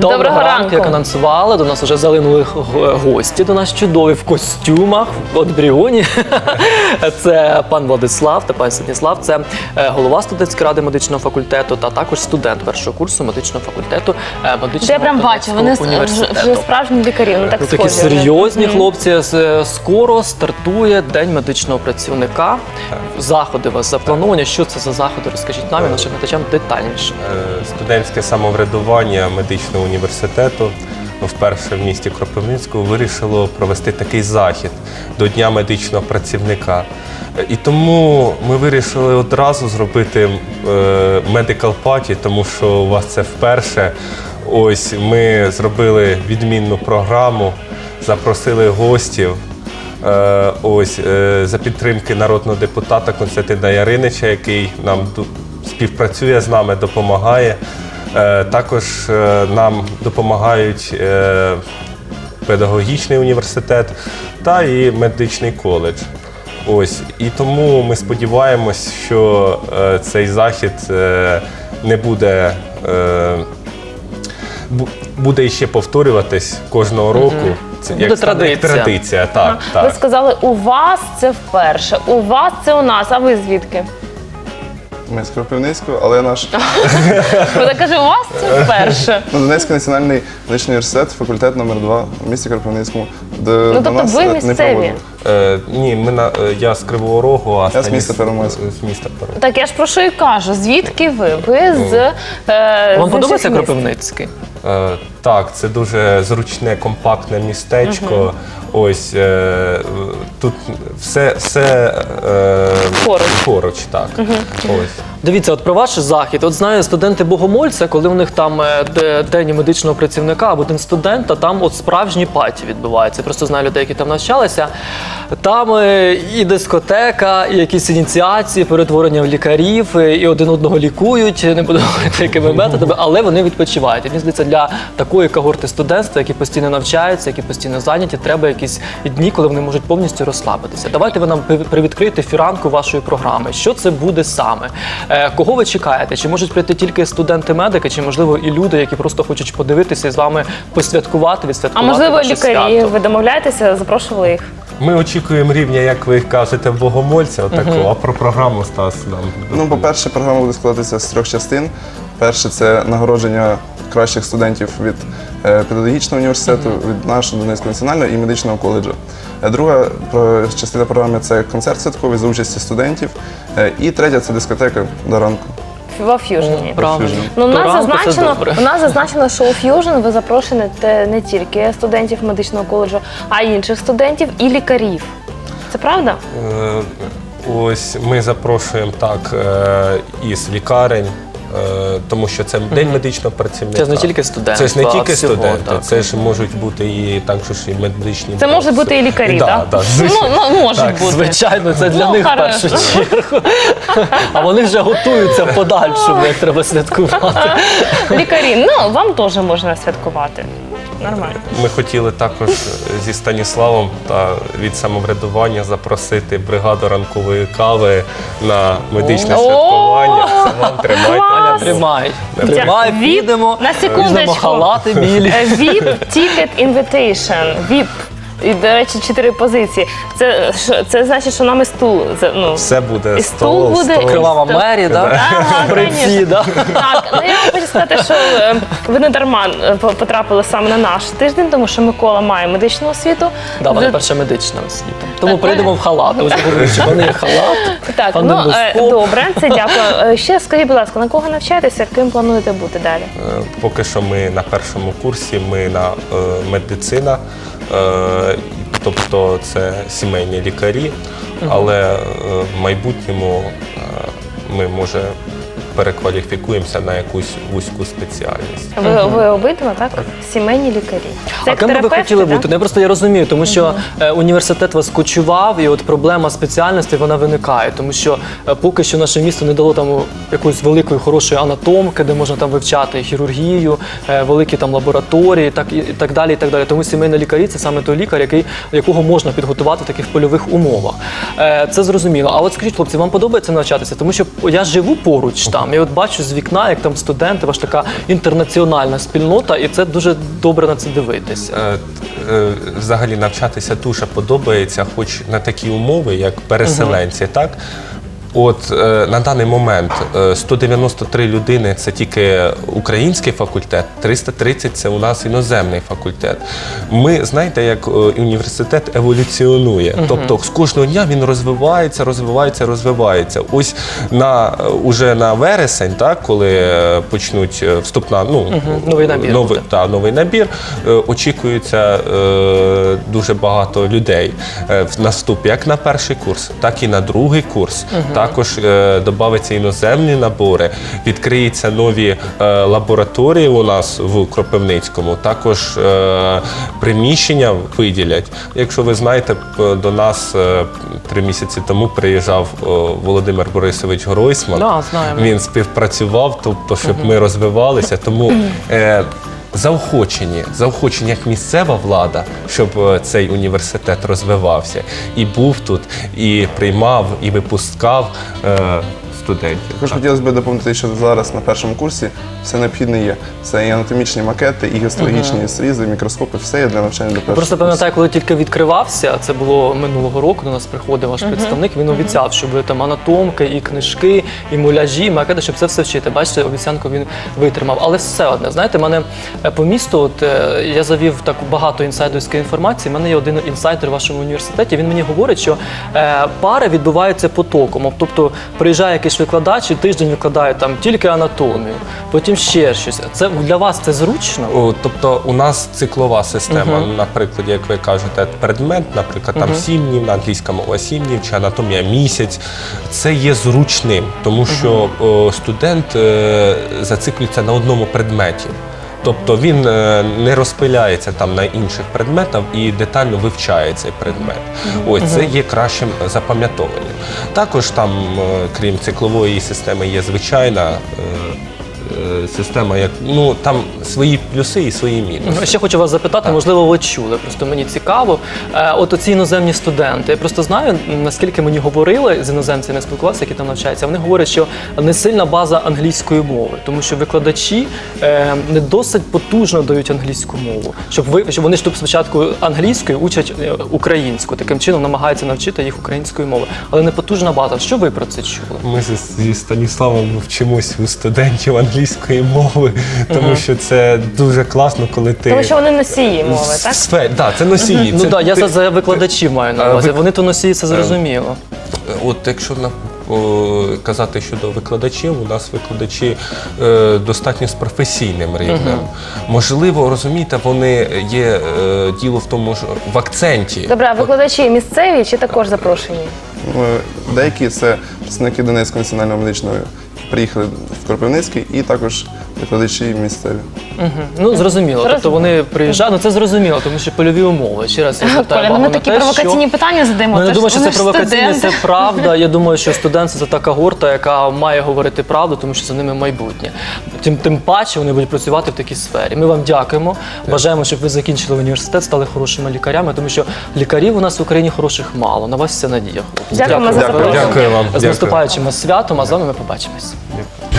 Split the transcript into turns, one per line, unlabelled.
Доброго ранку. Як анонсували, до нас вже залинули гості, до нас чудові в костюмах, от Бріоні. Це пан Владислав та пан Станіслав, це голова студентської ради медичного факультету та також студент першого курсу медичного факультету медичного
Я прям бачу, вони вже справжні лікарі, ну так схожі.
Такі серйозні хлопці. Скоро стартує День медичного працівника. Заходи у вас заплановані. Що це за заходи? Розкажіть нам і нашим глядачам детальніше.
Студентське самоврядування медичного університету вперше в місті Кропивницькому вирішило провести такий захід до Дня медичного працівника. І тому ми вирішили одразу зробити medical party, тому що у вас це вперше. Ось ми зробили відмінну програму, запросили гостів. Ось за підтримки народного депутата Костянтина Яринича, який нам співпрацює з нами, допомагає. Також нам допомагають педагогічний університет та і медичний коледж. Ось. І тому ми сподіваємось, що цей захід не буде ще повторюватись кожного року. Це
буде
традиція. Так.
Ви сказали, у вас це вперше, у вас це у нас, а ви звідки?
Ми з Кропивницького, але наш
Вона каже, у вас це вперше.
Донецький національний медичний університет, факультет номер 2 в місті Кропивницькому.
Ну, тобто ви місцеві?
Ні, я з Кривого Рогу, а
Я з міста Первомайська.
Так, я ж про що і кажу. Звідки ви? Ви з
Вам подобається Кропивницький?
Так, це дуже зручне, компактне містечко. Ось тут все поруч, так. Ось.
Дивіться, от про ваш захід. От знаю, студенти Богомольця, коли у них там День медичного працівника або День студента, там от справжні паті відбуваються. Я просто знаю людей, які там навчалися. Там і дискотека, і якісь ініціації, перетворення в лікарів, і один одного лікують, не буду говорити, якими методами, але вони відпочивають. І мені здається, для такої когорти студентства, які постійно навчаються, які постійно зайняті, треба якісь дні, коли вони можуть повністю розслабитися. Давайте ви нам привідкриєте фіранку вашої програми. Що це буде саме? Кого ви чекаєте? Чи можуть прийти тільки студенти-медики, чи, можливо, і люди, які просто хочуть подивитися і з вами посвяткувати, відсвяткувати ваше свято?
А можливо, лікарі, ви домовляєтеся, запрошували їх?
Ми очікуємо рівня, як ви кажете, в Богомольця, отакого. А про програму, Стас, нам?
Ну, по-перше, програма буде складатися з 3 частин. Перше – це нагородження кращих студентів від педагогічного університету, від нашого Донецького національного і медичного коледжу. Друга частина програми – це концерт святковий за участі студентів. І третя – це дискотека до ранку.
Во Ф'южні.
Правильно.
Ну, у нас зазначено, що у Ф'южн ви запрошуєте не тільки студентів медичного коледжу, а й інших студентів і лікарів. Це правда?
Ось ми запрошуємо так із лікарень, тому що це День медичного працівника.
Це ж не тільки студенти.
Це ж не тільки студенти, це ж можуть бути і також і медичні.
Це можуть бути і лікарі, так?
Так,
Ну, можуть бути.
Звичайно, це для них в першу чергу. А вони вже готуються в подальшому, як треба святкувати.
Лікарі, ну, вам теж можна святкувати. Нормально.
Ми хотіли також зі Станіславом та від самоврядування запросити бригаду ранкової кави на медичне святкування. Це вам тримайте.
Тримай, підемо,
На
візьмемо
секундочку.
халати білі.
VIP Ticket Invitation. VIP. І, до речі, 4 позиції. Це значить, що нам і стул. Ну,
Все буде
і стул буде.
Кривава Мері, так?
Ага,
При всі,
звісно.
так?
Так, ну я хочу сказати, що ви не дарма потрапили саме на наш тиждень, тому що Микола має медичну освіту.
Да, вона перша медична освіта. Тому прийдемо в халати. Ось говорю, що вони є халат.
Так, ну добре, це дякую. Ще скажіть, будь ласка, на кого навчаєтеся, ким плануєте бути далі?
Поки що ми на першому курсі, ми на медицина, тобто це сімейні лікарі, але в майбутньому ми, може, перекваліфікуємося на якусь вузьку спеціальність.
Ви обидва, так? Сімейні лікарі.
А ким би ви хотіли бути? Я просто розумію, тому що університет вас кочував, і от проблема спеціальності, вона виникає. Тому що поки що наше місто не дало там якоїсь великої, хорошої анатомки, де можна там вивчати хірургію, великі там лабораторії, і так далі, і так далі. Тому сімейні лікарі – це саме той лікар, якого можна підготувати в таких польових умовах. Це зрозуміло. А от скажіть, хлопці, вам подобається навчатися? Тому що я живу поруч там, Я от бачу з вікна, як там студенти, ваша така інтернаціональна спільнота, і це дуже добре на це дивитися.
Взагалі навчатися дуже подобається, хоч на такі умови, як переселенці, так? От на даний момент 193 людини – це тільки український факультет, 330 – це у нас іноземний факультет. Ми, знаєте, як університет еволюціонує. Тобто з кожного дня він розвивається. Ось уже на вересень, так, коли почнуть вступна,
Новий набір буде.
новий набір, очікується дуже багато людей на вступ як на перший курс, так і на другий курс. Також додаються іноземні набори, відкриються нові лабораторії у нас в Кропивницькому, також приміщення виділять. Якщо ви знаєте, до нас 3 місяці тому приїжджав Володимир Борисович Гройсман.
Да, знаємо.
Він співпрацював, тобто, щоб ми розвивалися. Тому заохочені як місцева влада, щоб цей університет розвивався. І був тут, і приймав, і випускав студентів.
Також хотілося б доповнити, що зараз на першому курсі все необхідне є. Це і анатомічні макети, і гістологічні зрізи, мікроскопи, все є для навчання до першого
Просто
курсу.
пам'ятаю, коли тільки відкривався, це було минулого року, до нас приходив ваш представник, він обіцяв, що буде там анатомки, і книжки, і муляжі, і макети, щоб це все вчити. Бачите, обіцянку він витримав. Але все одне, знаєте, мене по місту, я завів так багато інсайдерської інформації, в мене є один інсайдер в вашому університеті, він мені говорить, що пари відбуваються потоком. Тобто приїжджає якийсь викладач і тиждень викладає там тільки анатомію, потім ще щось. Це для вас це зручно?
Тобто у нас циклова система, наприклад, як ви кажете, предмет, наприклад, там 7 днів, на англійському мова 7 днів, чи анатомія місяць. Це є зручним, тому що студент зациклюється на одному предметі. Тобто він не розпиляється там на інших предметах і детально вивчає цей предмет. Ось це є кращим запам'ятовуванням. Також там, крім циклової системи, є звичайна система, там свої плюси і свої мінуси.
Ще хочу вас запитати, можливо, ви чули, просто мені цікаво. От оці іноземні студенти, я просто знаю, наскільки мені говорили, з іноземцями спілкувалися, які там навчаються, вони говорять, що не сильна база англійської мови, тому що викладачі не досить потужно дають англійську мову, щоб вони ж тут спочатку англійською учать українську, таким чином намагаються навчити їх української мови, але не потужна база. Що ви про це чули?
Ми зі Станіславом вчимось у студентів англійської мови, тому що це дуже класно, коли ти...
Тому що вони носії мови, так?
Так, це носії.
Ну так, я за викладачів маю на увазі. Вони то носії, це зрозуміло.
От якщо казати щодо викладачів, у нас викладачі достатньо з професійним рівнем. Можливо, розумієте, вони є діло в тому, що в акценті.
Добре, а викладачі місцеві чи також запрошені?
Деякі це представники Донецького національного медичного, приїхали в Кропивницький, і також викладачі місцеві.
Ну, зрозуміло. Тобто вони приїжджають, ну це зрозуміло, тому що польові умови. Ще раз я звертаю
Коля,
увагу
ми
на
такі
те,
провокаційні питання задаємо.
Ну, я
Це
не думаю, що
вони
це
ж
провокаційне, це
студенти.
правда. Я думаю, що студент – це така горта, яка має говорити правду, тому що за ними майбутнє. Тим паче вони будуть працювати в такій сфері. Ми вам дякуємо. Бажаємо, щоб ви закінчили університет, стали хорошими лікарями, тому що лікарів у нас в Україні хороших мало. На вас вся надія, хлопці.
Дякуємо за запрошення.
Дякую вам.
З наступаючим вас святом, а з вами ми побачимось.
Дякую.